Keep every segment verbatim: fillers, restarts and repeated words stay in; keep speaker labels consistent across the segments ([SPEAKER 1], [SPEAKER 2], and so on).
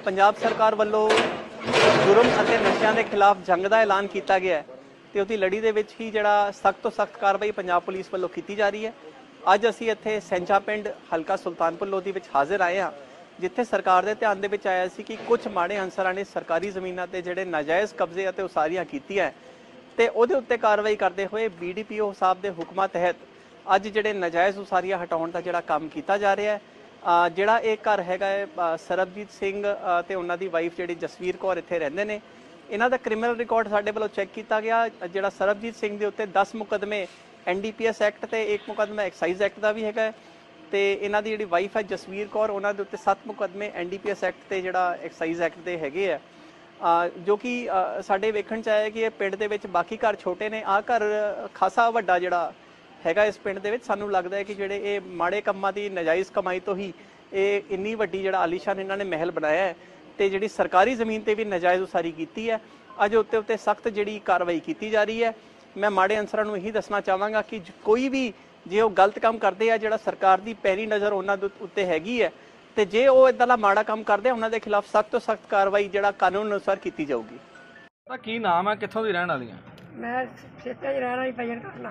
[SPEAKER 1] पंजाब सरकार वालों जुर्म ਅਤੇ ਨਸ਼ਿਆਂ ਦੇ ਖਿਲਾਫ ਜੰਗ ਦਾ ਐਲਾਨ ਕੀਤਾ ਗਿਆ ਹੈ ਤੇ ਉਹਦੀ ਲੜੀ ਦੇ ਵਿੱਚ ਹੀ ਜਿਹੜਾ ਸਖਤ ਤੋਂ ਸਖਤ ਕਾਰਵਾਈ ਪੰਜਾਬ ਪੁਲਿਸ ਵੱਲੋਂ ਕੀਤੀ ਜਾ ਰਹੀ ਹੈ। ਅੱਜ ਅਸੀਂ ਇੱਥੇ ਸੈਂਚਾ ਪਿੰਡ ਹਲਕਾ ਸੁਲਤਾਨਪੁਰ ਲੋਧੀ ਵਿੱਚ ਹਾਜ਼ਰ ਆਏ ਹਾਂ, ਜਿੱਥੇ ਸਰਕਾਰ ਦੇ ਧਿਆਨ ਦੇ ਵਿੱਚ ਆਇਆ ਸੀ ਕਿ ਕੁਝ ਮਾੜੇ ਅਨਸਰਾਂ ਨੇ ਸਰਕਾਰੀ ਜ਼ਮੀਨਾਂ ਤੇ ਜਿਹੜੇ ਨਾਜਾਇਜ਼ ਕਬਜ਼ੇ ਅਤੇ ਉਸਾਰੀਆਂ ਕੀਤੀਆਂ ਤੇ ਉਹਦੇ ਉੱਤੇ ਕਾਰਵਾਈ ਕਰਦੇ ਹੋਏ ਬੀਡੀਪੀਓ ਸਾਹਿਬ ਦੇ ਹੁਕਮਾਂ ਤਹਿਤ ਅੱਜ ਜਿਹੜੇ ਨਾਜਾਇਜ਼ ਉਸਾਰੀਆਂ ਹਟਾਉਣ ਦਾ ਜਿਹੜਾ ਕੰਮ ਕੀਤਾ ਜਾ ਰਿਹਾ ਹੈ। ਜਿਹੜਾ ਇਹ ਘਰ ਹੈਗਾ ਹੈ ਸਰਬਜੀਤ ਸਿੰਘ ਤੇ ਉਹਨਾਂ ਦੀ ਵਾਈਫ ਜਿਹੜੀ ਜਸਵੀਰ ਕੌਰ ਇੱਥੇ ਰਹਿੰਦੇ ਨੇ, ਇਹਨਾਂ ਦਾ ਕ੍ਰਿਮੀਨਲ ਰਿਕਾਰਡ ਸਾਡੇ ਵੱਲੋਂ ਚੈੱਕ ਕੀਤਾ ਗਿਆ। ਜਿਹੜਾ ਸਰਬਜੀਤ ਸਿੰਘ ਦੇ ਉੱਤੇ ਦਸ ਮੁਕੱਦਮੇ N D P S act ਤੇ ਇੱਕ ਮੁਕੱਦਮਾ ਐਕਸਾਈਜ਼ ਐਕਟ ਦਾ ਵੀ ਹੈਗਾ ਤੇ ਇਹਨਾਂ ਦੀ ਜਿਹੜੀ ਵਾਈਫ ਹੈ ਜਸਵੀਰ ਕੌਰ, ਉਹਨਾਂ ਦੇ ਉੱਤੇ ਸੱਤ ਮੁਕੱਦਮੇ N D P S act ਤੇ ਜਿਹੜਾ ਐਕਸਾਈਜ਼ ਐਕਟ ਦੇ ਹੈਗੇ ਆ, ਜੋ ਕਿ ਸਾਡੇ ਵੇਖਣ 'ਚ ਆਇਆ ਕਿ ਇਹ ਪਿੰਡ ਦੇ ਵਿੱਚ ਬਾਕੀ ਘਰ ਛੋਟੇ ਨੇ, ਆਹ ਘਰ ਖਾਸਾ ਵੱਡਾ ਜਿਹੜਾ ਹੈਗਾ ਇਸ ਪਿੰਡ ਦੇ ਵਿੱਚ। ਸਾਨੂੰ ਲੱਗਦਾ ਹੈ ਕਿ ਜਿਹੜੇ ਇਹ ਮਾੜੇ ਕੰਮਾਂ ਦੀ ਨਾਜਾਇਜ਼ ਕਮਾਈ ਤੋਂ ਹੀ ਇਹ ਇੰਨੀ ਵੱਡੀ ਜਿਹੜਾ ਆਲੀਸ਼ਾਨ ਇਹਨਾਂ ਨੇ ਮਹਿਲ ਬਣਾਇਆ ਹੈ ਤੇ ਜਿਹੜੀ ਸਰਕਾਰੀ ਜ਼ਮੀਨ ਤੇ ਵੀ ਨਾਜਾਇਜ਼ ਉਸਾਰੀ ਕੀਤੀ ਹੈ। ਅੱਜ ਉੱਤੇ ਉੱਤੇ ਸਖਤ ਜਿਹੜੀ ਕਾਰਵਾਈ ਕੀਤੀ ਜਾ ਰਹੀ ਹੈ। ਮੈਂ ਮਾੜੇ ਅਨਸਰਾਂ ਨੂੰ ਇਹੀ ਦੱਸਣਾ ਚਾਹਾਂਗਾ ਕਿ ਕੋਈ ਵੀ ਜੇ ਉਹ ਗਲਤ ਕੰਮ ਕਰਦੇ ਆ, ਜਿਹੜਾ ਸਰਕਾਰ ਦੀ ਪੈਰੀ ਨਜ਼ਰ ਉਹਨਾਂ ਦੇ ਉੱਤੇ ਹੈਗੀ ਹੈ ਤੇ ਜੇ ਉਹ ਇਦਾਂ ਦਾ ਮਾੜਾ ਕੰਮ ਕਰਦੇ ਆ, ਉਹਨਾਂ ਦੇ ਖਿਲਾਫ ਸਖਤ ਤੋਂ ਸਖਤ ਕਾਰਵਾਈ ਜਿਹੜਾ ਕਾਨੂੰਨ ਅਨੁਸਾਰ ਕੀਤੀ ਜਾਊਗੀ।
[SPEAKER 2] ਕੀ ਨਾਮ ਹੈ, ਕਿੱਥੋਂ ਦੀ ਰਹਿਣ ਵਾਲੀਆਂ?
[SPEAKER 3] ਮੈਂ ਖੇਤਾਂ 'ਚ ਰਹਿਣ ਵਾਲੀ ਭਜਨ ਕਰਨਾ।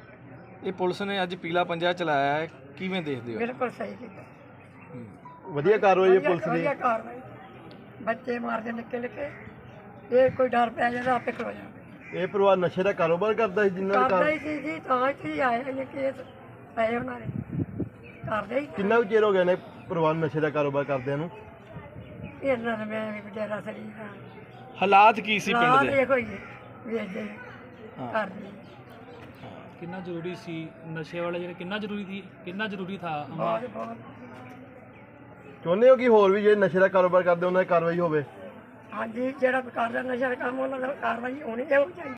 [SPEAKER 2] ਇਹ ਪੁਲਿਸ ਨੇ ਅੱਜ ਪੀਲਾ ਪੰਜਾ ਚਲਾਇਆ ਹੈ, ਕਿਵੇਂ ਦੇਖਦੇ ਹੋ?
[SPEAKER 3] ਬਿਲਕੁਲ ਸਹੀ ਕੀਤਾ,
[SPEAKER 4] ਵਧੀਆ ਕਾਰਵਾਈ ਹੈ ਪੁਲਿਸ ਦੀ।
[SPEAKER 3] ਵਧੀਆ ਕਾਰਵਾਈ, ਬੱਚੇ ਮਾਰਦੇ ਨਿੱਕੇ ਨਿੱਕੇ, ਇਹ ਕੋਈ ਡਰ ਪੈ ਜਾਂਦਾ ਆਪੇ ਖਲੋ ਜਾਂਦਾ।
[SPEAKER 4] ਇਹ ਪਰਿਵਾਰ ਨਸ਼ੇ ਦਾ ਕਾਰੋਬਾਰ ਕਰਦਾ ਸੀ ਜਿੰਨਾ ਦਾ
[SPEAKER 3] ਕਰਦਾ ਹੀ ਸੀ ਜੀ, ਤਾਂ ਇੱਥੇ ਆਏ ਨੇ ਕੇਸ ਪਏ ਉਹਨਾਂ ਨੇ, ਕਰਦੇ ਹੀ।
[SPEAKER 4] ਕਿੰਨਾ ਕੁ ਚਿਰ ਹੋ ਗਿਆ ਨੇ ਪਰਿਵਾਰ ਨਸ਼ੇ ਦਾ ਕਾਰੋਬਾਰ ਕਰਦਿਆਂ ਨੂੰ?
[SPEAKER 3] ਇਹਨਾਂ ਨੇ ਮੈਂ ਵੀ ਬਟੇਰਾ ਸਰੀ ਹਾਂ।
[SPEAKER 2] ਹਾਲਾਤ ਕੀ ਸੀ ਪਿੰਡ ਦੇ?
[SPEAKER 3] ਦੇਖੋ ਜੀ, ਵੇਚਦੇ ਕਰਦੇ।
[SPEAKER 5] ਕਿੰਨਾ ਜ਼ਰੂਰੀ ਸੀ ਨਸ਼ੇ ਵਾਲੇ ਜਿਹੜੇ, ਕਿੰਨਾ ਜ਼ਰੂਰੀ ਸੀ, ਕਿੰਨਾ ਜ਼ਰੂਰੀ ਥਾ?
[SPEAKER 3] ਬਹੁਤ ਬਹੁਤ
[SPEAKER 4] ਚਾਹੁੰਦੇ ਹੋ ਕਿ ਹੋਰ ਵੀ ਜਿਹੜੇ ਨਸ਼ੇ ਦਾ ਕਾਰੋਬਾਰ ਕਰਦੇ ਉਹਨਾਂ ਦੀ ਕਾਰਵਾਈ ਹੋਵੇ?
[SPEAKER 3] ਹਾਂਜੀ, ਜਿਹੜਾ ਕਰਦਾ ਨਸ਼ਾ ਦਾ ਕੰਮ ਉਹਨਾਂ ਦਾ ਕਾਰਵਾਈ ਹੋਣੀ ਚਾਹੀਦੀ।